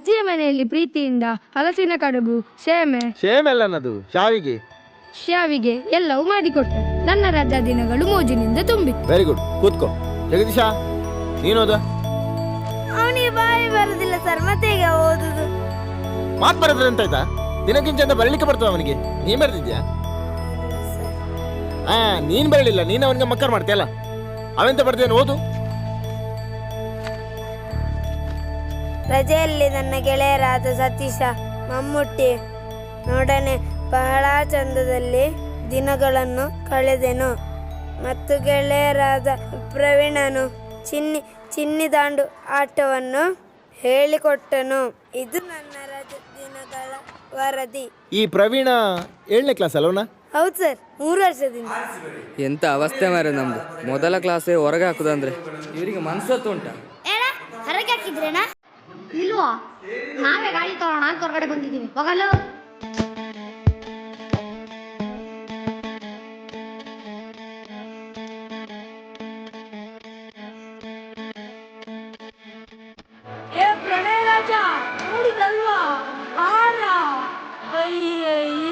ಅಜ್ಜಿಯ ಮನೆಯಲ್ಲಿ ಪ್ರೀತಿಯಿಂದ ಹಲಸಿನ ಕಡುಬು, ಸೇಮೆ ಅಲ್ಲ ಅನ್ನದು ಶಾವಿಗೆ ಶಾವಿಗೆ ಎಲ್ಲವೂ ಮಾಡಿಕೊಟ್ಟೆ. ನನ್ನ ರಜಾ ದಿನಗಳು ಮೋಜಿನಿಂದ ತುಂಬಿತ್ತು. ವೆರಿ ಗುಡ್, ಕೂತ್ಕೋ. ಜಗದೀಶ, ನೀನೋದ? ಅವನಿಗೆ ಬಾಯಿ ಬರುದಿಲ್ಲ ಸರ್, ಮತ್ತೆ ಈಗ ಓದುದು. ಮಾತು ಬರದ್ರೆ ಅಂತ ಆಯ್ತಾ? ದಿನಕ್ಕಿಂತ ಅಂತ ಬರಲಿಕ್ಕೆ ಬರ್ತವ ಅವನಿಗೆ? ನೀನ್ ಬರ್ತಿದ್ಯಾ? ನೀನ್ ಬರಲಿಲ್ಲ, ನೀನ್ ಅವನಿಗೆ ಮಕ್ಕರ್ ಮಾಡ್ತೀಯಲ್ಲ. ಅವೆಂತ ಬರ್ದೇನು, ಓದು. ರಜೆಯಲ್ಲಿ ನನ್ನ ಗೆಳೆಯರಾದ ಸತೀಶ, ಮಮ್ಮುಟ್ಟಿ ನೋಡನೆ ಬಹಳ ಚಂದದಲ್ಲಿ ದಿನಗಳನ್ನು ಕಳೆದೆನು. ಮತ್ತು ಗೆಳೆಯರಾದ ಪ್ರವೀಣನು ಚಿನ್ನಿ ದಾಂಡು ಆಟವನ್ನು ಹೇಳಿಕೊಟ್ಟನು. ಇದು ನನ್ನ ರಜೆ ದಿನಗಳ ವರದಿ. ಈ ಪ್ರವೀಣ 7ನೇ ಕ್ಲಾಸ್ ಅಲ್ವನಾ? ಹೌದು ಸರ್, 3 ವರ್ಷದಿಂದ. ಎಂತ ಅವಸ್ಥೆ ಮಾರೆ ನಮ್ದು. ಮೊದಲ ಕ್ಲಾಸೇ ಹೊರಗೆ ಹಾಕುದಂದ್ರೆ ಇವರಿಗೆ ಮನ್ಸತ್ತು ಉಂಟ? ಹೊರಗೆ ಹಾಕಿದ್ರೇನಾ? ಇಲ್ವಾ, ನಾವೇ ಗಾಡಿ ತಗೋಣ ಅಂತ ಹೊರಗಡೆ ಬಂದಿದ್ದೀವಿ. ಹೋಗಲ್ಲ. ಪ್ರಣಯ ರಾಜ ನೋಡಿದಲ್ವಾ? ಅಯ್ಯಯ್ಯ